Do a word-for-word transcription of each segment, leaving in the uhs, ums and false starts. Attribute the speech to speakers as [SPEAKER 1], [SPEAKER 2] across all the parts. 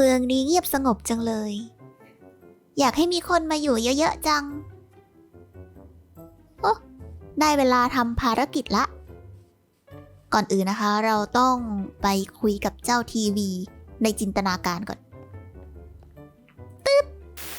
[SPEAKER 1] มืองนี้เงียบสงบจังเลย อยากให้มีคนมาอยู่เยอะๆจังโอ้ได้เวลาทำภารกิจละ ก่อนอื่นนะคะ เราต้องไปคุยกับเจ้าทีวีในจินตนาการก่อนตึ๊บ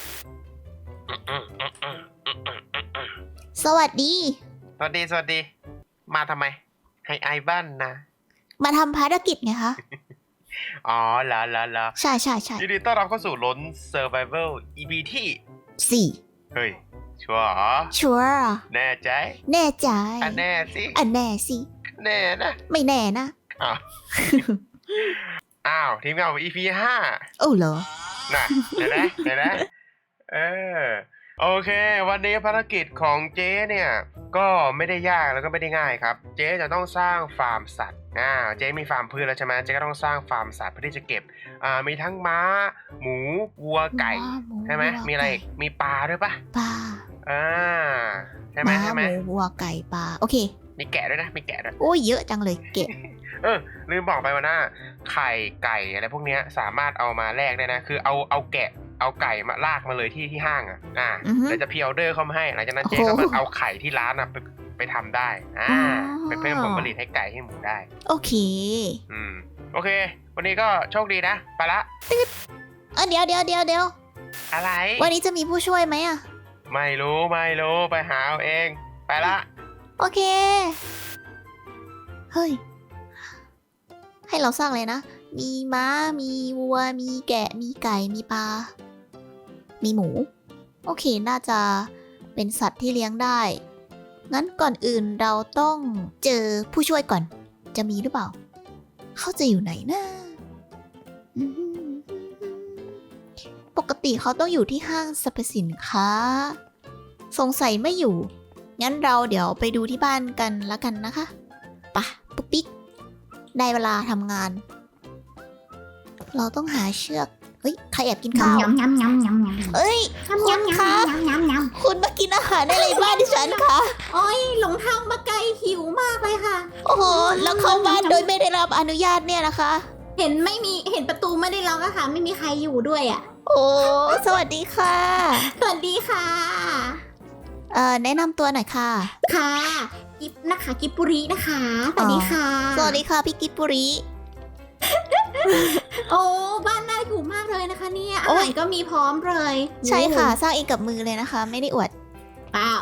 [SPEAKER 1] สวัสดี
[SPEAKER 2] สวัสดีสวัสดีมาทำไมให้ไอบ้านนะ
[SPEAKER 1] มาทำภารกิจไงคะ
[SPEAKER 2] อ๋อเหรอเหรอเหรอ
[SPEAKER 1] ใช่ใช่ใช่
[SPEAKER 2] ยินดีต้อนรับเข้าสู่ล้น Survival อี พี ที่
[SPEAKER 1] สี่
[SPEAKER 2] เฮ้ยชัวร์เหรอ
[SPEAKER 1] ชัวร์
[SPEAKER 2] แน่ใจ
[SPEAKER 1] แน่ใจ
[SPEAKER 2] อ่ะแน่สิ
[SPEAKER 1] อันแน่สิ
[SPEAKER 2] แน่นะ
[SPEAKER 1] ไม่แน่นะ
[SPEAKER 2] อ้าว อ้าวทีมงานของ อี พี ห้า
[SPEAKER 1] โอ้เหรอ
[SPEAKER 2] น่ะเดี๋ยวนะเดี๋ยวนะเออโอเค วันนี้ภารกิจของเจ๊เนี่ยก็ไม่ได้ยากแล้วก็ไม่ได้ง่ายครับ เจ๊จะต้องสร้างฟาร์มสัตว์อ่าเจ๊มีฟาร์มพืชแล้วใช่ไหมเจ๊ก็ต้องสร้างฟาร์มสัตว์เพื่อที่จะเก็บอ่ามีทั้งม้า หมูวัวไก่
[SPEAKER 1] ม้าหมู
[SPEAKER 2] ใช่ไหม
[SPEAKER 1] วัว
[SPEAKER 2] มีอะไรอีก
[SPEAKER 1] ไก่
[SPEAKER 2] มีปลาด้วยปะ
[SPEAKER 1] ปลา
[SPEAKER 2] อ่าใช่ไหม
[SPEAKER 1] ม้า
[SPEAKER 2] ใช่
[SPEAKER 1] ห
[SPEAKER 2] ไหม
[SPEAKER 1] มูวัวไก่ปลาโอเค
[SPEAKER 2] มีแกะด้วยนะมีแกะด้วย
[SPEAKER 1] โอ้ยเยอะจังเลยเก็บ
[SPEAKER 2] เออลืมบอกไปว่าหน้าไข่ไก่อะไรพวกเนี้ยสามารถเอามาแลกได้นะคือเอาเอาแกะเอาไก่มาลากมาเลยที่ที่ห้างอ่ะอ่า
[SPEAKER 1] อือฮึ
[SPEAKER 2] เดี๋ยวจะพรีออเดอร์เข้ามาให้หลังจากนั้นเจ๊
[SPEAKER 1] โอ้
[SPEAKER 2] ก็
[SPEAKER 1] โห
[SPEAKER 2] มาเอาไข่ที่ร้านอ่ะไปไปทำได้อ่า
[SPEAKER 1] อ๋อ
[SPEAKER 2] ไปเพิ่มผลผลิตให้ไก่ให้หมูได้
[SPEAKER 1] โอเค
[SPEAKER 2] อืมโอเค วันนี้ก็โชคดีนะไปละ
[SPEAKER 1] เออเดี๋ยวเดี๋ยวเดี๋ยวเดี๋ยว
[SPEAKER 2] อะไร
[SPEAKER 1] วันนี้จะมีผู้ช่วยไหมอะ
[SPEAKER 2] ไม่รู้ไม่รู้ไปหาเอาเองไปละ
[SPEAKER 1] โอเค เฮ้ย ให้เราสร้างเลยนะ มีม้า มีวัว มีแกะ มีไก่ มีปลา มีหมู โอเค น่าจะเป็นสัตว์ที่เลี้ยงได้ งั้นก่อนอื่นเราต้องเจอผู้ช่วยก่อน จะมีหรือเปล่า เขาจะอยู่ไหนนะอืมปกติเขาต้องอยู่ที่ห้างสรรพสินค้า สงสัยไม่อยู่ งั้นเราเดี๋ยวไปดูที่บ้านกันแล้วกันนะคะไปะปุ๊กปิ๊ก ได้เวลาทำงาน เราต้องหาเชือก เฮ้ย ใครแอบกินข้าว
[SPEAKER 3] ยำยำยำยำยำ
[SPEAKER 1] เอ้ย
[SPEAKER 3] ยำยำยำยำยำยำ
[SPEAKER 1] คุณมากินอาหารในไรบ้านดิฉันคะ
[SPEAKER 3] โอ้ยหลงทางมาไกลหิวมากเลยค่ะ
[SPEAKER 1] โอ้โห แล้วเข้าบ้านโดยไม่ได้รับอนุญาตเนี่ยนะคะ
[SPEAKER 3] เห็นไม่มีเห็นประตูไม่ได้ล็อกอะค่ะ ไม่มีใครอยู่ด้วยอะ
[SPEAKER 1] โอ้ สวัสดีค่ะ
[SPEAKER 3] สวัสดีค่ะ
[SPEAKER 1] เอ่อ แนะนำตัวหน่อยค่ะ
[SPEAKER 3] ค่ะ กิฟนะคะ กิฟปุรินะคะ สวัสดีค่ะ
[SPEAKER 1] สวัสดีค่ะพี่กิบปุริ
[SPEAKER 3] โอ้บ้านน่าอยู่มากเลยนะคะเนี่ยอา
[SPEAKER 1] โอ้
[SPEAKER 3] หาย รก็มีพร้อมเลย
[SPEAKER 1] ใช่ค่ะ สร้างเองกับมือเลยนะคะ ไม่ได้อวด
[SPEAKER 3] เปล่า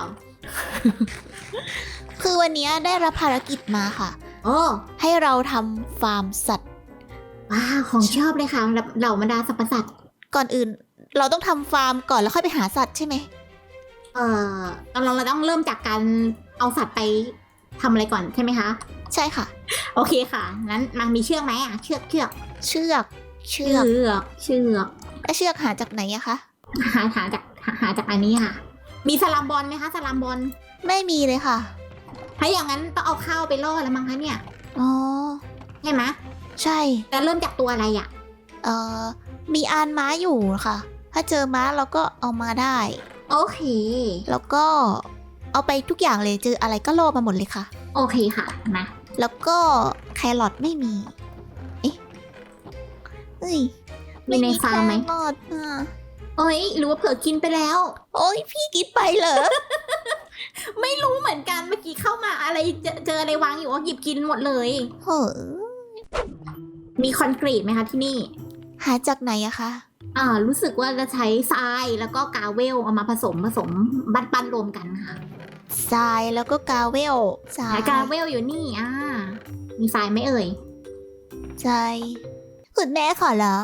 [SPEAKER 1] คือวันนี้ได้รับภารกิจมาค่ะ
[SPEAKER 3] โอ้
[SPEAKER 1] ให้เราทำฟาร์มสัตว์
[SPEAKER 3] ว้าวของชอบเลยค่ะเหล่าบรรดาสรรพสัตว์
[SPEAKER 1] ก่อนอื่น เราต้องทำฟาร์มก่อนแล้วค่อยไปหาสัตว์ใช่ไหม
[SPEAKER 3] เอ่อเราเราต้องเริ่มจากการเอาสัตว์ไปทำอะไรก่อนใช่ไหมคะ
[SPEAKER 1] ใช่ค่ะ
[SPEAKER 3] โอเคค่ะ งั้นมันมีเชือกไหมอ่ะ เชือกเชือก
[SPEAKER 1] เชือก เชื
[SPEAKER 3] เชื
[SPEAKER 1] อก
[SPEAKER 3] อกเชือก
[SPEAKER 1] แล้วเชือกหาจากไหนอะคะ
[SPEAKER 3] หาหาจากหาหาจากอันนี้ค่ะ มีสลามบอลไหมคะสลามบอล
[SPEAKER 1] ไม่มีเลยค่ะ
[SPEAKER 3] ถ้าอย่างนั้นต้องเอาข้าวไปล่อแล้วมั้งคะเนี่ย
[SPEAKER 1] อ๋อ
[SPEAKER 3] ใช่ไหม
[SPEAKER 1] ใช่
[SPEAKER 3] แต่เริ่มจากตัวอะไรอ่ะ
[SPEAKER 1] เอ่อ มีอานม้าอยู่ค่ะ ถ้าเจอม้าเราก็เอามาได้
[SPEAKER 3] โอเค
[SPEAKER 1] แล้วก็เอาไปทุกอย่างเลย เจออะไรก็โลภมาหมดเลยค่ะ
[SPEAKER 3] โอเคค่ะมา
[SPEAKER 1] แล้วก็แครอทไม่มี เอ๊ะเอ้ย
[SPEAKER 3] มีในฟาร์มไหม
[SPEAKER 1] แครอทอ่ะ
[SPEAKER 3] โอ้ยหรือว่าเผลอกินไปแล้ว
[SPEAKER 1] โอ้ยพี่กินไปเหรอ
[SPEAKER 3] ไม่รู้เหมือนกันเมื่อกี้เข้ามาอะไรเจอเจออะไรวางอยู่ก็หยิบกินหมดเลย
[SPEAKER 1] เฮ้อ
[SPEAKER 3] มีคอนกรีตไหมคะที่นี่
[SPEAKER 1] หาจากไหนอะคะ
[SPEAKER 3] อ่ารู้สึกว่าจะใช้ทรายแล้วก็กาเวลเอามาผสมผสมปั้นปั้นรวมกันค่ะ
[SPEAKER 1] ทรายแล้วก็กาเวลทราย
[SPEAKER 3] หากาเวลอยู่นี่อ่ามีทรายไหมเอ่ย
[SPEAKER 1] ทรายคุณแม่ขอร้อง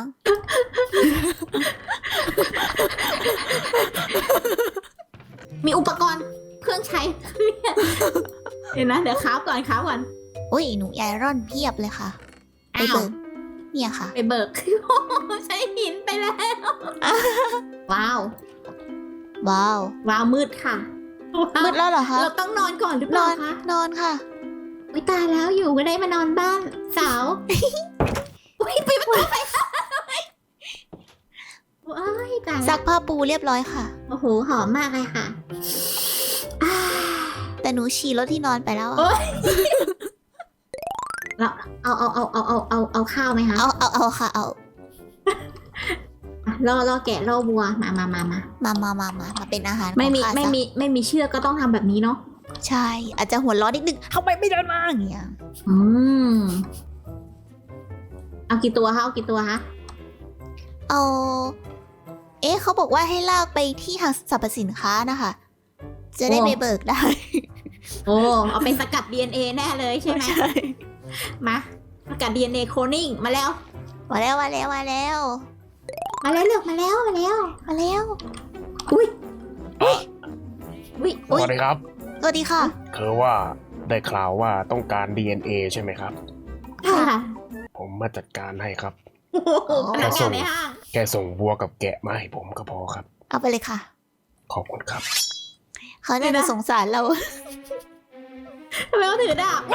[SPEAKER 3] มีอุปกรณ์เครื่องใช้ เดี๋ยวนะเดี๋ยวค้าวก่อนค้าวก่อน
[SPEAKER 1] อุ้ยหนูไอรอนเพียบเลยค่ะ ไป
[SPEAKER 3] อ้าว
[SPEAKER 1] เบิกเนี่ยค่ะ
[SPEAKER 3] ไปเบิก ใช้หินไปแล้ว ว้าว
[SPEAKER 1] ว้าว
[SPEAKER 3] ว้าวมืดค่ะ
[SPEAKER 1] มืดแล้วเหรอคะ
[SPEAKER 3] เราต้องนอนก่อนหรือเป
[SPEAKER 1] น
[SPEAKER 3] ล่า
[SPEAKER 1] อน
[SPEAKER 3] คะ
[SPEAKER 1] นอนค่ะ
[SPEAKER 3] วิตายแล้วอยู่ก็ได้มานอนบ้านสาวอุ้ยไปประตูไปค่ะว้ายตาย
[SPEAKER 1] ซั
[SPEAKER 3] แล้ว
[SPEAKER 1] กผ้าปูเรียบร้อยค่ะ
[SPEAKER 3] โอ้โหหอมมากเลยค่ะอ่า
[SPEAKER 1] แต่หนูฉี่รถที่นอนไปแล้วอะ
[SPEAKER 3] โอ๊ย เราเอาเอาเอาเอาเอาเอาเอาข้าวไหมคะ
[SPEAKER 1] เอาเอาเอาค่ะ เอา
[SPEAKER 3] ล่อล่อแกะล่อวัวมามามามา
[SPEAKER 1] มามามามามาเป็นอาหาร
[SPEAKER 3] ไม่มี
[SPEAKER 1] ของข้า
[SPEAKER 3] ไม่
[SPEAKER 1] ซะ
[SPEAKER 3] มีไม่มีเชือกก็ต้องทำแบบนี้เนาะ
[SPEAKER 1] ใช่ อาจจะหัวร้อนนิดนึงทำไมไม่เดินมาอย่างเงี้ย
[SPEAKER 3] อืมเอากี่ตัวคะเอากี่ตัวคะ
[SPEAKER 1] เอาเอ๊ะเขาบอกว่าให้ลากไปที่ห้างสรรพสินค้านะคะ จะได้ไปเบิกได้
[SPEAKER 3] โอ้เอาไปสกัด ดี เอ็น เอ แน่เลยใช่ไหมมาสกัด ดี เอ็น เอ โคลนิ่งมาแล้ว
[SPEAKER 1] มาแล้วมาแล้วมาแล้ว
[SPEAKER 3] มาแล้วเลือกมาแล้วมาแล้ว
[SPEAKER 1] มาแล้ว
[SPEAKER 3] อุ้ยอุ้ยอุ้ย
[SPEAKER 2] สวัสดีครับ
[SPEAKER 1] สวัสดีค่ะ
[SPEAKER 2] คือว่าได้ข่าวว่าต้องการ ดี เอ็น เอ ใช่ไหมครับ
[SPEAKER 3] ค่ะ
[SPEAKER 2] ผมมาจัดการให้ครับ
[SPEAKER 3] โอ้โหพนักงานในห้าง
[SPEAKER 2] แค่ส่งวัวกับแกะมาให้ผมก็พอครับ
[SPEAKER 1] เอาไปเลยค่ะ
[SPEAKER 2] ขอบคุณครับ
[SPEAKER 1] เขาน่าจะสงสารเรา
[SPEAKER 3] ทำไมเขาถือดาบ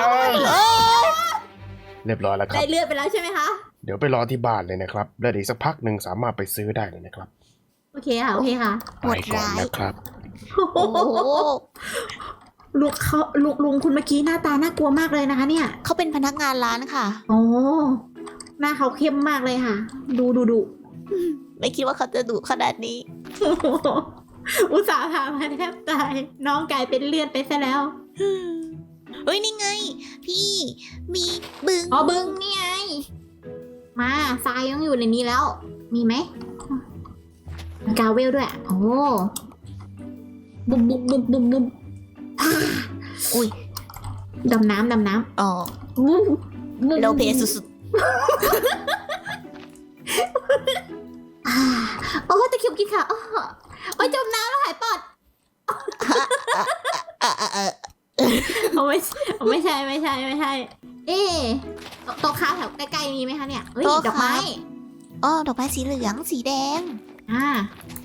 [SPEAKER 2] เรียบร้อยแล้วครั
[SPEAKER 3] ได้
[SPEAKER 2] บ
[SPEAKER 3] เลือดไปแล้วใช่ไหมคะ
[SPEAKER 2] เดี๋ยวไปรอที่บ้านเลยนะครับ แล้วเดี๋ยวอีกสักพักหนึ่งสามารถไปซื้อได้เลยนะครับ
[SPEAKER 3] โอเคค่ะโอเคค่ะ
[SPEAKER 1] โห
[SPEAKER 2] ไป
[SPEAKER 1] ด
[SPEAKER 2] ก่อน
[SPEAKER 1] ร้าย
[SPEAKER 2] นะครับ
[SPEAKER 1] โอ้โห
[SPEAKER 3] ลุงเขาลุงลุงคุณเมื่อกี้หน้าตาน่ากลัวมากเลยนะคะ เนี่ย
[SPEAKER 1] เขาเป็นพนักงานร้านค่ะ
[SPEAKER 3] โอ้หน้าเขาเข้มมากเลยค่ะ ดูดูดู
[SPEAKER 1] ไม่คิดว่าเขาจะดุขนาดนี้
[SPEAKER 3] อุตส่าห์พามาแทบตาย น้องกลายเป็นเลือดไปซะแล้ว
[SPEAKER 1] เฮ้ย นี่ไง พี่ มีบึง
[SPEAKER 3] อ๋อบึงนี่ไง มาทรายยังอยู่ในนี้แล้ว มีไหมมีกาเวลด้วย โอ้บุบบุบบุบบุบบุบอ่า
[SPEAKER 1] อุ้ย
[SPEAKER 3] ดำน้ำดำน้
[SPEAKER 1] อ๋อ
[SPEAKER 3] ำบุบบุบ
[SPEAKER 1] โลเพสุด
[SPEAKER 3] อ่าโอ้ตะเคียบกินค่ะอ้อโอ้ยจมน้ำแล้วหายปอด
[SPEAKER 1] ๆอ่ะอ่ะอ่ะ
[SPEAKER 3] เอาไม่เอาไม่ใช่ไม่ใช่ไม่ใช่ เอ๊ะโตโต๊ะค้าแถวใกล้ๆมีไหมคะเนี่ยเฮ้ยดอกไม้
[SPEAKER 1] อ๋อ ดอกไม้สีเหลือง สีแดง
[SPEAKER 3] อ่า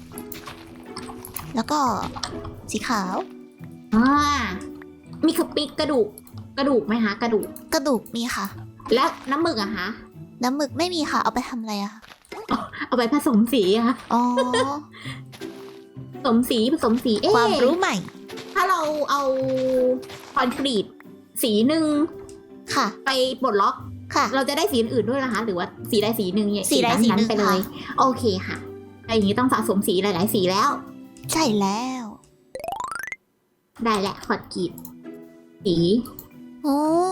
[SPEAKER 1] แล้วก็สีขาว
[SPEAKER 3] อ่ามีกระปิกกระดูก กระดูกไหมคะกระดูก
[SPEAKER 1] กระดูกมีค่ะ
[SPEAKER 3] และน้ำหมึกอะคะ
[SPEAKER 1] น้ำหมึกไม่มีค่ะ เอาไปทำอะไรอะ
[SPEAKER 3] เอาไปผสมสีอะค่ะ
[SPEAKER 1] อ๋อ
[SPEAKER 3] ผสมสีผสมสีเอ๊ะ
[SPEAKER 1] ความรู้ใหม่
[SPEAKER 3] ถ้าเราเอาคอนกรีตสีหนึ่ง
[SPEAKER 1] ค่ะ
[SPEAKER 3] ไปปลดล็อก
[SPEAKER 1] ค่ะ
[SPEAKER 3] เราจะได้สีอื่นๆด้วยนะคะ หรือว่าสีใดสีหนึ่งเนี่ย
[SPEAKER 1] สีใดสีหนึ่ง
[SPEAKER 3] ไปเลย
[SPEAKER 1] ค่ะ
[SPEAKER 3] โอเคค่ะแต่อย่างนี้ต้องสะสมสีหลาย ๆ สีแล้ว
[SPEAKER 1] ใช่แล้ว
[SPEAKER 3] ได้แหละคอนกรีตสี
[SPEAKER 1] โอ้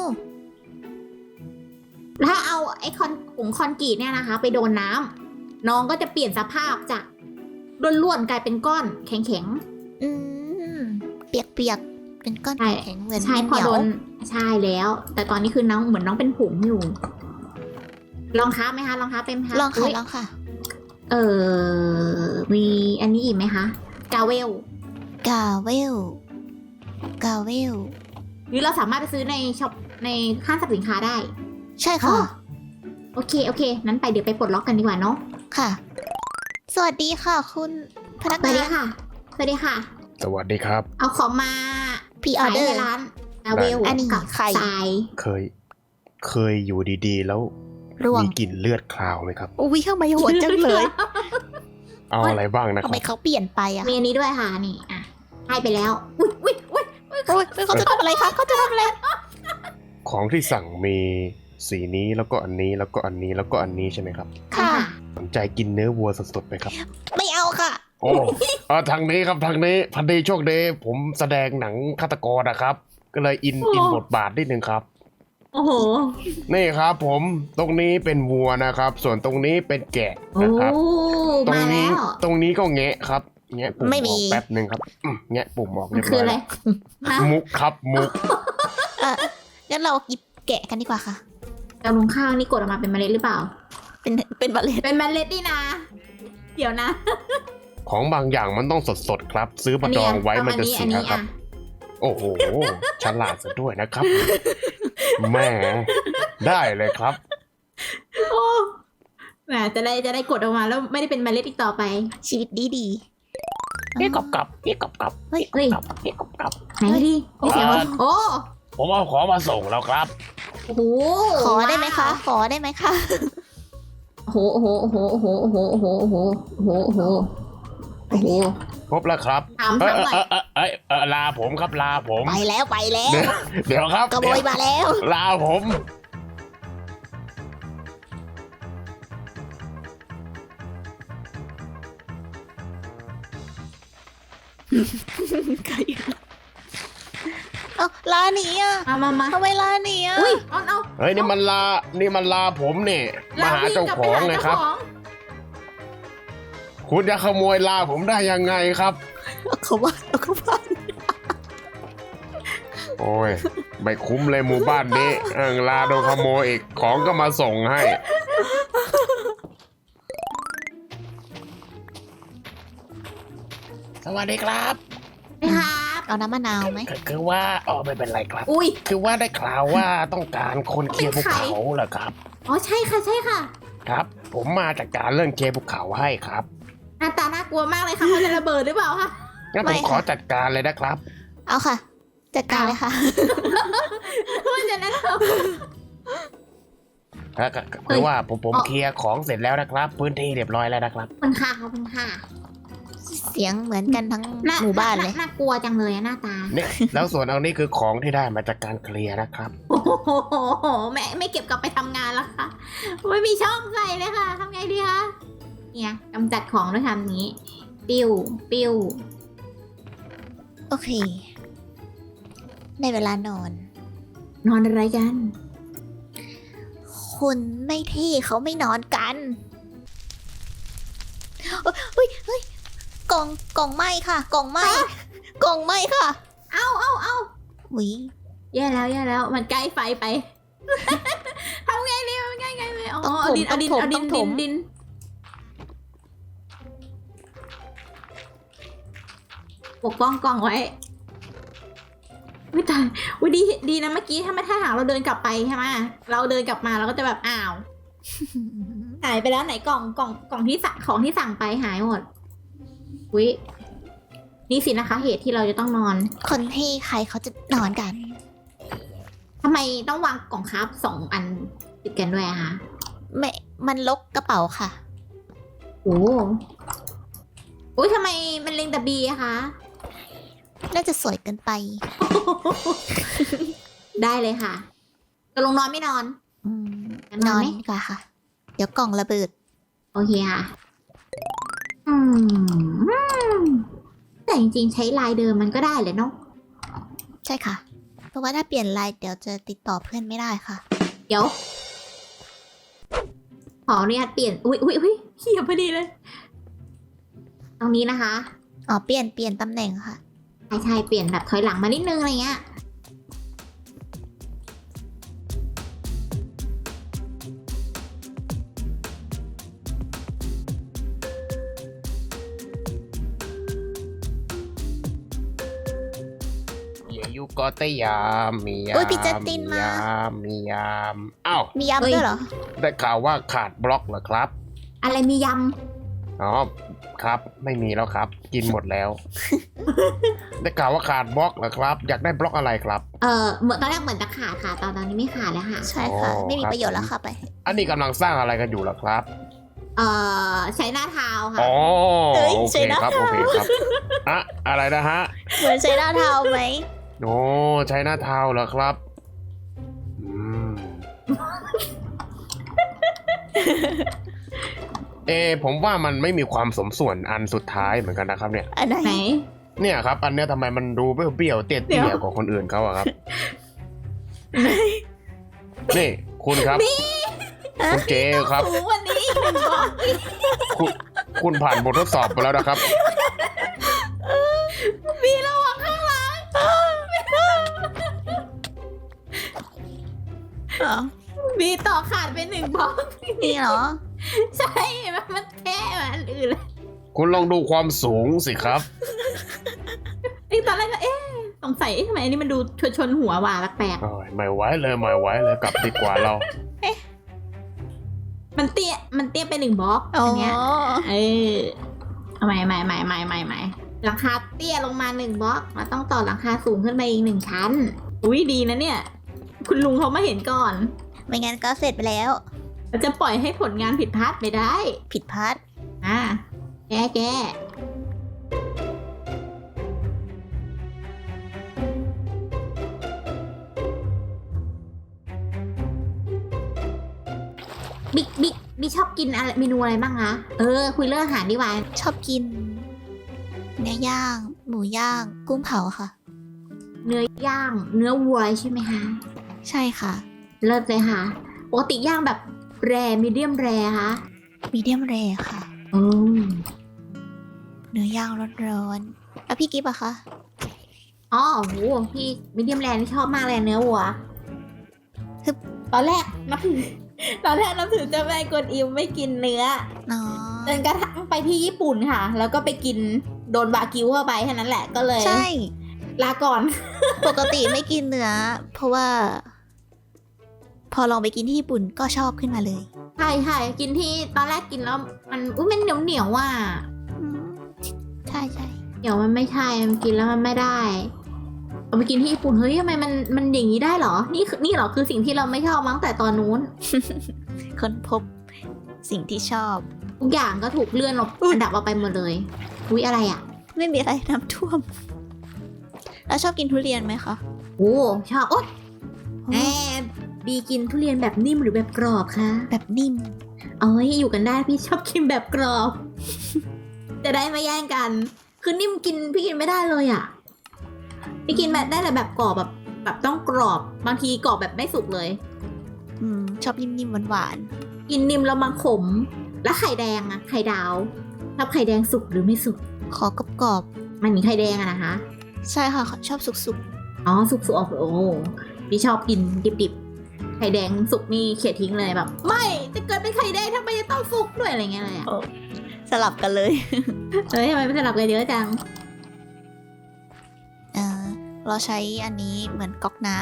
[SPEAKER 3] ถ้าเอาไอ้คอนผงคอนกรีตเนี่ยนะคะ ไปโดนน้ำน้องก็จะเปลี่ยนสภาพจากล้วนๆกลายเป็นก้อนแข็ง
[SPEAKER 1] อืม เปียกๆ เป็นก้อน
[SPEAKER 3] ใช่
[SPEAKER 1] แข็งๆเหมือน
[SPEAKER 3] ๆใช่พอ
[SPEAKER 1] เหนีย
[SPEAKER 3] โด
[SPEAKER 1] วน
[SPEAKER 3] ใช่แล้ว แต่ตอนนี้คือน้องเหมือนน้องเป็นผงอยู่ ลองค้าไหมคะลองค้าเป็นไหมคะ
[SPEAKER 1] ลองค่ะ
[SPEAKER 3] ย
[SPEAKER 1] ลองค่ะ
[SPEAKER 3] เออมีอันนี้อีกไหมคะกาเวล
[SPEAKER 1] กาเวล กาเวล
[SPEAKER 3] หรือเราสามารถไปซื้อในช็อปในห้างสรรพสินค้าได้
[SPEAKER 1] ใช่ค่ะ
[SPEAKER 3] อ๋อ โอเคโอเคนั้นไปเดี๋ยวไปปลดล็อกกันดีกว่าเนาะ
[SPEAKER 1] ค่ะ สวัสดีค่ะ คุณพนัก
[SPEAKER 3] สวัส
[SPEAKER 1] งา
[SPEAKER 3] ดี
[SPEAKER 1] น
[SPEAKER 3] ค่ะสวัสดีค่ะ
[SPEAKER 2] สวัสดีครับ
[SPEAKER 3] เอาของมา
[SPEAKER 1] พี่ออ
[SPEAKER 3] ขาย
[SPEAKER 1] เดอ
[SPEAKER 3] ใน
[SPEAKER 1] ร์
[SPEAKER 3] ร้านกาเวล
[SPEAKER 1] อันนี้
[SPEAKER 3] กับ
[SPEAKER 1] ไข่
[SPEAKER 3] ทราย
[SPEAKER 2] เคย เคยอยู่ดีๆ แล้ว
[SPEAKER 1] ร่วง
[SPEAKER 2] มีกลิ่นเลือดคลาวไหมครับ
[SPEAKER 1] อุ้ยทำไมโหดจังเลย
[SPEAKER 2] เอาอะไรบ้างนะค
[SPEAKER 1] ทำ
[SPEAKER 2] รั
[SPEAKER 1] ไม
[SPEAKER 2] บ
[SPEAKER 1] เขาเปลี่ยนไปอะ
[SPEAKER 3] มีอันนี้ด้วยค่ะนี่อ่ะให้ไปแล้วอุ้ยอุ้ยอุ้ย
[SPEAKER 1] โอ้ยเขาจะทำอะไรคะเขาจะทำอะไร
[SPEAKER 2] ของที่สั่งมีสีนี้แล้วก็อันนี้แล้วก็อันนี้แล้วก็อันนี้ใช่ไหมครับ
[SPEAKER 1] ค่ะ
[SPEAKER 2] สนใจกินเนื้อวัวสดๆไหมครับ
[SPEAKER 1] ไม่เอาค่ะ
[SPEAKER 2] โอ้เออทางนี้ครับทางนี้พันดีโชคดีผมแสดงหนังฆาตกรนะครับ ก็เลยอินอินบทบาทนิดนึงครับ
[SPEAKER 3] โอ้โห
[SPEAKER 2] นี่ครับผมตรงนี้เป็นวัวนะครับ ส่วนตรงนี้เป็นแกะ
[SPEAKER 3] โอ้
[SPEAKER 2] นะครับ ตรง
[SPEAKER 3] มา
[SPEAKER 2] นี้
[SPEAKER 3] แล้ว
[SPEAKER 2] ตรงนี้ก็แงะครับแงะปุ่ม
[SPEAKER 1] ไม่มี
[SPEAKER 2] ออกแป๊บหนึ่งครับอืมแงะปุ่มออก
[SPEAKER 3] มั
[SPEAKER 2] เรี
[SPEAKER 3] น
[SPEAKER 2] ยบ
[SPEAKER 3] คื
[SPEAKER 2] ร้
[SPEAKER 3] อ
[SPEAKER 2] อย
[SPEAKER 3] อะไร
[SPEAKER 2] แล้ว
[SPEAKER 3] ฮะ
[SPEAKER 2] มุกครับมุก
[SPEAKER 1] เอองั้นเราหยิบแกะกันดีกว่าค่ะ
[SPEAKER 3] แต่ลุงข้าวนี่กดออกมาเป็นเมล็ดหรือเปล่า
[SPEAKER 1] เป็น เป็นบัลเลต
[SPEAKER 3] เป็นเมล็ดนี่นะ เดี๋ยวนะ
[SPEAKER 2] ของบางอย่างมันต้องสดๆครับ ซื้อมาดองไว้มันจะ
[SPEAKER 3] อั
[SPEAKER 2] เสีย
[SPEAKER 3] นี้
[SPEAKER 2] ครับ
[SPEAKER 3] อ่ะ
[SPEAKER 2] โอ้โหฉลาดซะด้วยนะครับแหม่ได้เลยครับ
[SPEAKER 3] โอ้แหมจะได้จะได้กดออกมาแล้วไม่ได้เป็นเมล็ดอีกต่อไป
[SPEAKER 1] ชีวิตดีดี
[SPEAKER 2] เอ๊ะกอบกับเอ๊ะกอบกับ
[SPEAKER 1] เฮ้ย
[SPEAKER 3] เฮ้ย
[SPEAKER 2] กับเอ๊ะกอบกับ
[SPEAKER 3] ไหนดิมีเสียงว่าโอ้
[SPEAKER 2] ผมเอาของมาส่งแล้วครับ
[SPEAKER 3] โอ้โห
[SPEAKER 1] ขอได้ไหมคะ ขอได้ไหมคะ
[SPEAKER 3] โอ้โหโอ้โหโอ้โหโอ้โหโอ้โหโอ้โหโอ้โหโอ้โหโอ้โหโอ้โห
[SPEAKER 2] ครบแล้วครับ
[SPEAKER 3] ถาม
[SPEAKER 2] เอ้
[SPEAKER 3] ถาย มหน่อย
[SPEAKER 2] เอ้ยเอ้ยเอ้ยเอ้ยลาผมครับลาผม
[SPEAKER 1] ไปแล้วไปแล้ว
[SPEAKER 2] เดี๋ยวเดี๋ยวครับ
[SPEAKER 1] กระโบยมาแล้ว
[SPEAKER 2] ลาผม
[SPEAKER 3] อ
[SPEAKER 1] ไก่เอ้าลาหนีอ่ะ
[SPEAKER 3] มามามา
[SPEAKER 1] ทำไมลาหนีอ่ะ
[SPEAKER 3] อุ้ยเอาเอา
[SPEAKER 2] เฮ้ยนี่มันลา นี่มันลาผมเนี่ยมาหาเจ้าของไงครับ คุณจะขโมยลาผมได้ยังไงครับ
[SPEAKER 1] เอาเขาว่าเอาเขาว่า
[SPEAKER 2] โอ้ยไม่คุ้มเลยหมู่บ้านนี้เออลาโดนขโมยอีกของก็มาส่งให้ สวัสดีครับ
[SPEAKER 3] นะครับ
[SPEAKER 1] เอาน้ำมะนาวไหม
[SPEAKER 2] คือว่าอ๋อไม่เป็นไรครับ
[SPEAKER 3] อุ้ย
[SPEAKER 2] คือว่าได้ข่าวว่าต้องการคนเคลียร์ภูเขาเหรอครับ
[SPEAKER 3] อ๋อใช่ค่ะใช่ค่ะ
[SPEAKER 2] ครับ ผมมาจากการเรื่องเคลียร์ภูเขาให้ครับ
[SPEAKER 3] หน้าตาน่ากลัวมากเลยค่ะเขาจะระเบิดหรือเปล่าคะ
[SPEAKER 2] งั้นผมขอจัดการเลยนะครับ
[SPEAKER 1] เอาค่ะจัดการเลยค่ะ
[SPEAKER 3] ว่าจะแนะน
[SPEAKER 2] ก็ก็ก็คือว่าผมผมเคลียร์ของเสร็จแล้วนะครับ พื้นที่เรียบร้อยแล้วนะครับ
[SPEAKER 3] ำคุณค่ะขอบคุณค่ะ
[SPEAKER 1] เสียงเหมือนกันทั้ง
[SPEAKER 3] หน้า
[SPEAKER 1] หมู่บ้านเลย
[SPEAKER 3] น่ากลัวจังเลยอะหน้าตา
[SPEAKER 2] นี่แล้วส่วนเอานี้คือของที่ได้มาจากการเคลียร์นะครับ
[SPEAKER 3] โอ้โหแม่ไม่เก็บกลับไปทำงานแล้วค่ะไม่มีช่องใส่เลยค่ะทำไงดีคะเนี่ยกำจัดของด้วยคำนี้ ปิ้วปิ้ว
[SPEAKER 1] โอเคได้เวลานอน
[SPEAKER 3] นอนอะไรกัน
[SPEAKER 1] คนไม่เท่เขาไม่นอนกันเฮ้ยเฮ้ยกล่องกล่องไหมค่ะ กล่องไหมกล่องไหมค่ะ
[SPEAKER 3] เอาเอาเอา
[SPEAKER 1] หุย
[SPEAKER 3] แย่แล้วแย่แล้วมันใกล้ไฟไป ทำไงดีมันใกล้ไงเลยอ๋อ
[SPEAKER 1] ต้องถ
[SPEAKER 3] เอา
[SPEAKER 1] ม
[SPEAKER 3] ดิน
[SPEAKER 1] ต้
[SPEAKER 3] เอา
[SPEAKER 1] อง
[SPEAKER 3] ดิน
[SPEAKER 1] ถม
[SPEAKER 3] เอาดิ
[SPEAKER 1] ต้อน งถ
[SPEAKER 3] ดิ
[SPEAKER 1] ม
[SPEAKER 3] นดินปกป้องกล่องไว้วิตายวิดีดีนะเมื่อกี้ถ้าไม่ถ้าหากเราเดินกลับไปใช่ไหมเราเดินกลับมาเราก็จะแบบอ้าว หายไปแล้วไหนกล่องกล่องกล่องที่สั่งของที่สั่งไปหายหมดวินี่สินะคะ เหตุที่เราจะต้องนอน
[SPEAKER 1] คนเท่ใครเขาจะนอนกัน
[SPEAKER 3] ทำไมต้องวางกล่องคราฟสองอันติดกันด้วยอะคะ
[SPEAKER 1] ไม่มันลกกระเป๋าค่ะ
[SPEAKER 3] โอ้โอ้ยทำไมมันเล็งแต่บีอะคะ
[SPEAKER 1] น่าจะสวยเกินไป
[SPEAKER 3] ได้เลยค่ะจะลงนอนไม่นอน
[SPEAKER 1] อืม
[SPEAKER 3] จะ
[SPEAKER 1] น
[SPEAKER 3] น
[SPEAKER 1] อ
[SPEAKER 3] อน
[SPEAKER 1] น
[SPEAKER 3] ไหม
[SPEAKER 1] ดีกว่าค่ะ เดี๋ยวกล่องระเบิด
[SPEAKER 3] โอเคค่ะ อืมแต่จริงๆใช้ลายเดิมมันก็ได้เลยเนาะ
[SPEAKER 1] ใช่ค่ะ เพราะว่าถ้าเปลี่ยนลายเดี๋ยวจะติดต่อเพื่อนไม่ได้ค่ะ
[SPEAKER 3] เดี๋ยว ขออนุญาตเปลี่ยน อุ้ยอุ้ยอุ้ยเขียบพอดีเลย ตรงนี้นะคะ
[SPEAKER 1] อ๋อ เปลี่ยนเปลี่ยนตำแหน่งค่ะ
[SPEAKER 3] ใช่ใช่เปลี่ยนแบบถอยหลังมานิดนึงอะไรเงี้ย
[SPEAKER 2] อย่ายุก็ตยามมียาม
[SPEAKER 1] อุ๊ยพี่จัสตินมา
[SPEAKER 2] ยามมียามอ้าว
[SPEAKER 1] มีย้ำด้วยเหรอ
[SPEAKER 2] ได้ข่าวว่าขาดบล็อกเหรอครับ
[SPEAKER 3] อะไรมีย
[SPEAKER 2] อ๋อครับไม่มีแล้วครับ กินหมดแล้ว ได้ข่าวว่าขาดบล็อกเหรอครับ อยากได้บล็อกอะไรครับ
[SPEAKER 3] ำเออเหมือนตอนแรกเหมือนจะขาดค่ะ ตอนตอนนี้ไม่ขาดแล้วค่ะ
[SPEAKER 1] ใช่ค่ะ
[SPEAKER 2] อ๋อ
[SPEAKER 1] ไม่มี
[SPEAKER 2] ครับ
[SPEAKER 1] ประโยชน์แล้วค่ะไป
[SPEAKER 2] อันนี้กำลังสร้างอะไรกันอยู่เหรอครับ
[SPEAKER 3] เออใช้หน้าเท้าค่ะ
[SPEAKER 2] อ๋อ
[SPEAKER 1] เอ้ย
[SPEAKER 2] โอ
[SPEAKER 1] ใช่
[SPEAKER 2] เค
[SPEAKER 1] นะครับ
[SPEAKER 2] โอเคครับอะอะไรนะฮะ
[SPEAKER 1] เหมือนใช้หน้าเท้าไหม
[SPEAKER 2] โอ้ใช้หน้าเท้าเหรอครับอืม เออผมว่ามันไม่มีความสมส่วนอันสุดท้ายเหมือนกันนะครับ เนี่ย
[SPEAKER 1] อันไหน
[SPEAKER 3] ไหน
[SPEAKER 2] เนี่ยครับ อันเนี้ยทำไมมันดูเบี้ยวๆเตี้
[SPEAKER 3] เดี๋
[SPEAKER 2] ย
[SPEAKER 3] ยว
[SPEAKER 2] ๆกว่าคนอื่นเขาอะครับ นี่คุณครับ คุณเจครับ
[SPEAKER 3] สูงวันนี้อีกหนึ่งบอก
[SPEAKER 2] คุณคุณผ่านบททดสอบไปแล้วนะครับ
[SPEAKER 3] มีระวังข้างหลัง
[SPEAKER 1] อ๋อ
[SPEAKER 3] มีต่อขาดไปหนึ่งบล็อก
[SPEAKER 1] นี่เหรอ
[SPEAKER 3] ใช่มันมันแค่อันอื่นเลย
[SPEAKER 2] คุณลองดูความสูงสิครับ
[SPEAKER 3] ไอ้ตอนแรกก็เอ๊ะสงสัยเอ๊ะทำไมอันนี้มันดูชนชนหัวว่ะแปลก
[SPEAKER 2] โอ้ยไม่ไหวเลยไม่ไหวเลยกลับดีกว่าเรา
[SPEAKER 3] ๆมันเตี้ยมันเตี้ยไปหนึ่งบล็อก
[SPEAKER 1] อ๋อ
[SPEAKER 3] อันเนี้ยเออเอาใหม่ใหม่ใหม่ใหม่ใหม่ใหม่หลังคาเตี้ยลงมาหนึ่งบล็อกมาต้องต่อหลังคาสูงขึ้นไปอีกหนึ่งชั้นอุ้ยดีนะเนี่ย คุณลุงเขามาเห็นก่อน
[SPEAKER 1] ไม่งั้นก็เสร็จไปแล้ว
[SPEAKER 3] เราจะปล่อยให้ผลงานผิดพลาดไปได้
[SPEAKER 1] ผิดพลาด
[SPEAKER 3] อ่าแก้แก้บิ๊กบิ๊กบิ๊กชอบกินอะไรเมนูอะไรบ้างคะ เออ คุยเรื่องอาหารดีกว่า
[SPEAKER 1] ชอบกินเนื้อย่างหมูย่าง กุ้งเผาค่ะ
[SPEAKER 3] เนื้อย่าง เนื้อวัวใช่ไหมคะ
[SPEAKER 1] ใช่ค่ะ
[SPEAKER 3] เลิศเลยค่ะ ปกติย่างแบบแรมีเดียมแรคะ
[SPEAKER 1] มีเดียมแรค่ะ
[SPEAKER 3] โอ้
[SPEAKER 1] เนื้อย่างร้อนๆแล้วพี่กิฟต์อะคะ
[SPEAKER 3] อ๋อโหพี่มีเดียมแรนี่ชอบมากเลยเนื้อวัว
[SPEAKER 1] ฮึบ
[SPEAKER 3] ตอนแรกนับถือ ตอนแรกนับถือเจ้าแม่กวนอิมไม่กินเนื้อ
[SPEAKER 1] อ๋อ
[SPEAKER 3] จนกระทั่งไปที่ญี่ปุ่นค่ะ แล้วก็ไปกินโดนบากิวเข้าไปแค่นั้นแหละก็เลย
[SPEAKER 1] ใช่
[SPEAKER 3] ลาก่อน
[SPEAKER 1] ปกติไม่กินเนื้อ เพราะว่า พอลองไปกินที่ญี่ปุ่นก็ชอบขึ้นมาเลย
[SPEAKER 3] ใช่ใช่กินที่ตอนแรกกินแล้วมันอุ้ยมันเหนียวเหนียวว่ะ
[SPEAKER 1] อืมใช่ใช่
[SPEAKER 3] เหนียวมันไม่ใช่มันกินแล้วมันไม่ได้เอาไปกินที่ญี่ปุ่นเฮ้ยทำไมมันมันอย่างนี้ได้เหรอ นี่คือนี่เหรอคือสิ่งที่เราไม่ชอบมั้งแต่ตอนนู้น
[SPEAKER 1] ค้นพบสิ่งที่ชอบ
[SPEAKER 3] ทุกอย่างก็ถูกเลื่อนลงอันดับออกไปหมดเลยอุ้ยอะไรอ่ะ
[SPEAKER 1] ไม่มีอะไรน้ำท่วม แล้วชอบกินทุเรียนไหมคะ
[SPEAKER 3] โอ้ชอบโอ๊ยแอบบีกินทุเรียนแบบนิ่มหรือแบบกรอบคะ
[SPEAKER 1] แบบนิ่ม
[SPEAKER 3] เอาไว้อยู่กันได้พี่ชอบกินแบบกรอบ จะได้ไม่แย่งกัน คือนิ่มกินพี่กินไม่ได้เลยอ่ะพี่กินแบบได้แต่แบบกรอบแบบแบบต้องกรอบบางทีกรอบแบบไม่สุกเลย
[SPEAKER 1] อืม ชอบนิ่มๆหวาน
[SPEAKER 3] กินนิ่มแล้วมันขม แล้วไข่แดงอะไข่ดาวชอบไข่แดงสุกหรือไม่สุก
[SPEAKER 1] ๆขอกรอบ
[SPEAKER 3] มันมีไข่แดงอะนะคะ
[SPEAKER 1] ๆใช่ค่ะ ชอบสุก
[SPEAKER 3] อ๋อสุกสุกออกโอ้พี่ชอบกินดิบๆไข่แดงสุกนี่เขี่ยทิ้งเลยแบบ ไม่จะเกิดเป็นไข่แดงทำไมจะต้องสุกด้วยอะไรเงี้ยเลยอะ
[SPEAKER 1] ๆ สลับกันเลย
[SPEAKER 3] เฮ้ยทำไมไม่สลับกันเยอะจัง
[SPEAKER 1] เออเราใช้อันนี้เหมือนก๊อกน้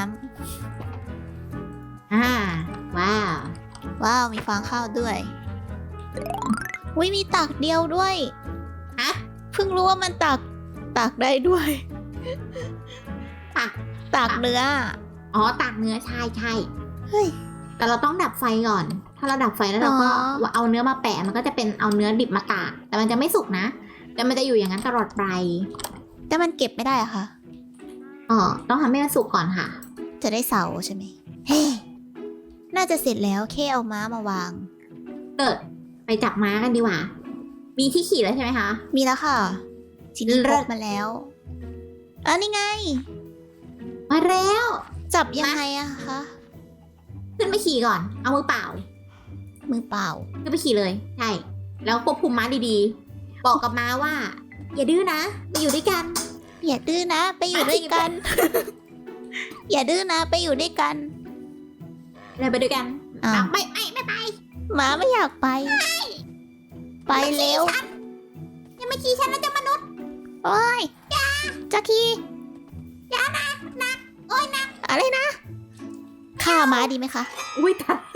[SPEAKER 3] อ่าว้าว
[SPEAKER 1] ำว้าว มีฟางข้าวด้วยวิมีตากเดียวด้วย
[SPEAKER 3] ฮะ
[SPEAKER 1] เพิ่งรู้ว่ามันตากตากได้ด้วย
[SPEAKER 3] ตัก
[SPEAKER 1] ตากเนื้อ
[SPEAKER 3] อ๋อตักเนื้อใช่ใช่
[SPEAKER 1] เฮ้ย
[SPEAKER 3] แต่เราต้องดับไฟก่อน ถ้าเราดับไฟแล้วเราก็
[SPEAKER 1] อ๋อ
[SPEAKER 3] เอาเนื้อมาแปะมันก็จะเป็นเอาเนื้อดิบมาตากแต่มันจะไม่สุกนะแต่มันจะอยู่อย่างนั้นตลอดไป
[SPEAKER 1] แต่มันเก็บไม่ได้อะค่ะ
[SPEAKER 3] อ๋อต้องทำให้มันสุกก่อนค่ะ
[SPEAKER 1] จะได้เสาใช่ไหมเฮ้น่าจะเสร็จแล้วแค่เอาม้ามาวาง
[SPEAKER 3] เกิดไปจับม้ากันดีกว่า มีที่ขี่แล้วใช่ไหมคะ
[SPEAKER 1] มีแล้วค่ะ ทีนี้
[SPEAKER 3] เลิ
[SPEAKER 1] พ
[SPEAKER 3] ศ
[SPEAKER 1] กมาแล้วอ่ะนี่ไง
[SPEAKER 3] มาแล้ว
[SPEAKER 1] จับยังไงอะคะ
[SPEAKER 3] ขึ้นไปขี่ก่อน เอามือเปล่า
[SPEAKER 1] มือเปล่า
[SPEAKER 3] ขึ้นไปขี่เลย ใช่ แล้วควบคุมม้าดีๆ บอกกับม้าว่า อย่าดื้อนะมาอยู่ด้วยกัน
[SPEAKER 1] อย่าดื้อนะ ไปอยู่ด้วยกัน อย่าดื้อนะ ไปอยู่ด้วยกัน
[SPEAKER 3] เลยไปด้วยกัน
[SPEAKER 1] อ้าว
[SPEAKER 3] ไม่ไม่ไม่ไป
[SPEAKER 1] หมาไม่อยากไป ไปเร็ว
[SPEAKER 3] อย่ามาขี่ฉันนะจะมนุษย์
[SPEAKER 1] โอ้ยจะขี่
[SPEAKER 3] อย่านะนักโอ้ยนัก
[SPEAKER 1] อะไรนะฆ่าม้าดีไหมคะ
[SPEAKER 3] อุ้ยตาย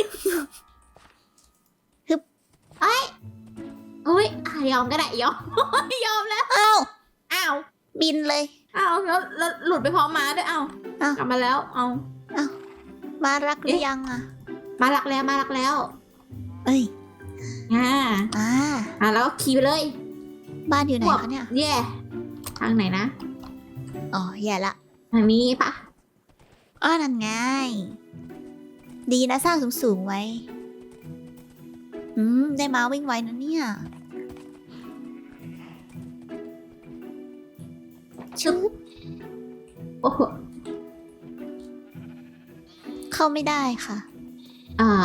[SPEAKER 1] ฮึบ
[SPEAKER 3] เอ้ยอุ้ยอ่ะยอมก็ได้ยอม ยอมแล้ว
[SPEAKER 1] อ้าว
[SPEAKER 3] อ้าว
[SPEAKER 1] บินเลย
[SPEAKER 3] อ้าวแล้วแล้วหลุดไปพร้อมม้าด้วยอ้าว
[SPEAKER 1] อ้าว
[SPEAKER 3] กลับมาแล้วเอา
[SPEAKER 1] มารักหรือยังอะ
[SPEAKER 3] มารักแล้วมารักแล้ว
[SPEAKER 1] เอ้ย
[SPEAKER 3] อ่า
[SPEAKER 1] อ่า
[SPEAKER 3] อ่าแล้วก็ขี่ไปเลย
[SPEAKER 1] บ้านอยู่ไหนคะเนี่ย
[SPEAKER 3] เย่ทางไหนนะ
[SPEAKER 1] อ๋อแย่ละ
[SPEAKER 3] ทางนี้ปะ
[SPEAKER 1] อ้อนั่นไง ดีนะสร้างสูงๆไว้ อืม ได้ม้าวิ่งไวนะเนี่ย ชุบ
[SPEAKER 3] โอ้โห
[SPEAKER 1] เข้าไม่ได้ค่ะ
[SPEAKER 3] อ่า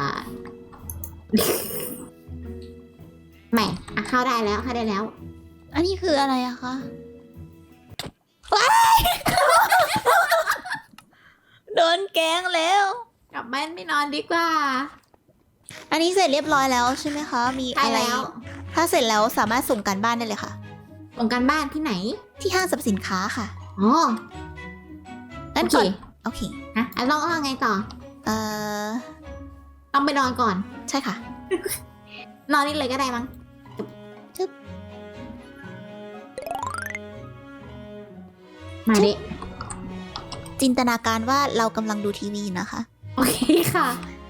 [SPEAKER 3] ไม่อ่ะเข้าได้แล้วเข้าได้แล้ว
[SPEAKER 1] อันนี้คืออะไรอะคะว้าย โดนแกล้งแล้ว
[SPEAKER 3] กลับบ้านไม่นอนดีกว่า
[SPEAKER 1] อันนี้เสร็จเรียบร้อยแล้วใช่ไหมคะ มี
[SPEAKER 3] ใช่
[SPEAKER 1] อะไร
[SPEAKER 3] แล้ว
[SPEAKER 1] ถ้าเสร็จแล้วสามารถส่งการบ้านได้เลยค่ะ
[SPEAKER 3] ส่งการบ้านที่ไหน
[SPEAKER 1] ที่ห้างสรรพสินค้าค่ะ
[SPEAKER 3] อ๋อ
[SPEAKER 1] งั้น
[SPEAKER 3] โอเค
[SPEAKER 1] ก่อน โอเค
[SPEAKER 3] ฮะอ่ะลองเอาไงต่อ
[SPEAKER 1] เอ่อ
[SPEAKER 3] ต้องไปนอนก่อน
[SPEAKER 1] ใช่ค่ะ
[SPEAKER 3] นอนนี่เลยก็ได้มั้ง
[SPEAKER 1] จึ๊บ
[SPEAKER 3] มาดิ
[SPEAKER 1] จินตนาการว่าเรากำลังดูทีวีนะคะ
[SPEAKER 3] โอเคค่ะ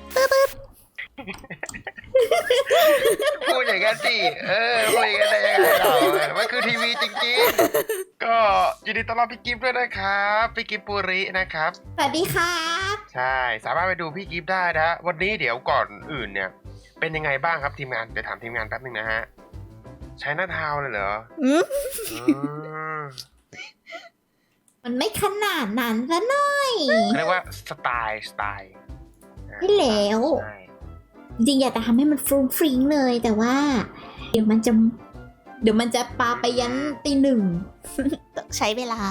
[SPEAKER 2] พูดอย่างนั้นสิ เออพูดอย่างนั้นได้ยังไงเรามันคือทีวีจริงๆ ก็ยินดีต้อนรับพี่กิฟต์ด้วยนะครับ พี่กิฟต์ปุรินะครับ
[SPEAKER 3] สวัสดีครับ
[SPEAKER 2] ใช่ สามารถไปดูพี่กิฟต์ได้นะ วันนี้เดี๋ยวก่อนอื่นเนี่ย เป็นยังไงบ้างครับทีมงาน เดี๋ยวถามทีมงานแป๊บนึงนะฮะ ใช้หน้าเท้าเลยเหรอ
[SPEAKER 1] อืม
[SPEAKER 2] อืม
[SPEAKER 3] มันไม่ขนาดนั้นซะหน่อย
[SPEAKER 2] เขาเรียกว่าสไตล์สไตล์อ่า
[SPEAKER 3] ไม่แล้ว
[SPEAKER 2] ใช่
[SPEAKER 3] จริงๆอยากจะทำให้มันฟรุ้งฟริ้งเลยแต่ว่า เดี๋ยวมันจะ เดี๋ยวมันจะปาไปยันตีหนึ่ง
[SPEAKER 1] ต้องใช้เวลา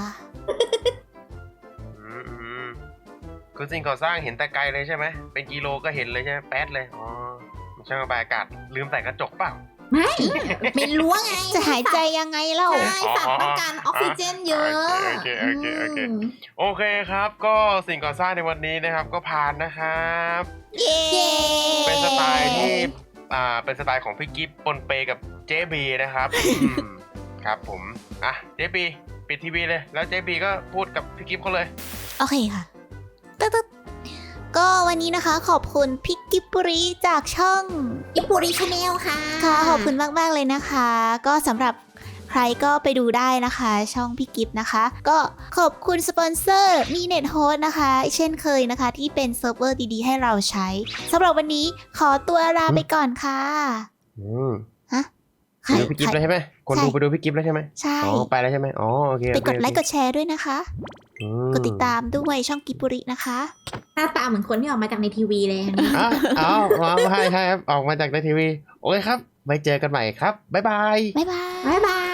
[SPEAKER 2] อืมอืมคือสิ่งก่อสร้างเห็นแต่ไกลเลยใช่ไหมเป็นกิโลก็เห็นเลยใช่ไหมแป๊ดเลยอ๋อมันช่างระบายอากาศลืมใส่กระจกเปล่า
[SPEAKER 3] ไม่เป็นรั้วไง
[SPEAKER 1] จะหายใจยังไงเล่า
[SPEAKER 3] ใช่สัตว์ต้องการออกซิเจนเยอะ
[SPEAKER 2] โอเคโอเคโอเค
[SPEAKER 3] ม
[SPEAKER 2] โอเคครับ ก็สิ่งก่อสร้างในวันนี้นะครับ ก็ผ่านนะครับ
[SPEAKER 1] เย้
[SPEAKER 2] เป็นสไตล์ที่อ่าเป็นสไตล์ของพี่กิฟปนเปกับเจบีนะครับอืมครับผมอ่ะเจบีปิดทีวีเลยแล้วเจบีก็พูดกับพี่กิฟเขาเลย
[SPEAKER 1] โอเคค่ะตึ๊ดตึ๊ดก็วันนี้นะคะขอบคุณพิกกิปุริจากช่อง
[SPEAKER 3] อิปุริชาแนลค่ะ
[SPEAKER 1] ค่ะขอบคุณมากๆเลยนะคะ ก็สำหรับใครก็ไปดูได้นะคะ ช่องพี่กิฟนะคะ ก็ขอบคุณสปอนเซอร์มีเน็ตโฮสนะคะ เช่นเคยนะคะ ที่เป็นเซิร์ฟเวอร์ดีๆให้เราใช้สำหรับวันนี้ขอตัวลาไปก่อนค่ะ
[SPEAKER 2] อืม
[SPEAKER 1] ฮะ
[SPEAKER 2] ไปดูพี่กิฟแล้วใช่ไหมคนดูไปดูพี่กิฟแล้วใช่ไหม
[SPEAKER 1] ใช่
[SPEAKER 2] อ๋อไปแล้วใช่ไหมอ๋อโอเค
[SPEAKER 1] ไปกดไลค์กดแชร์ด้วยนะคะ กดติดตามด้วยช่องกิปุรินะคะ
[SPEAKER 3] หน้าตาเหมือนคนที่ออกมาจากในทีวีเลยอันนี้
[SPEAKER 2] อ้าวอ้าวอ๋อใช่ใช่ครับออกมาจากในทีวีโอเคครับไว้เจอกันใหม่ครับบ๊ายบาย
[SPEAKER 1] บ๊ายบาย
[SPEAKER 3] บ๊ายบาย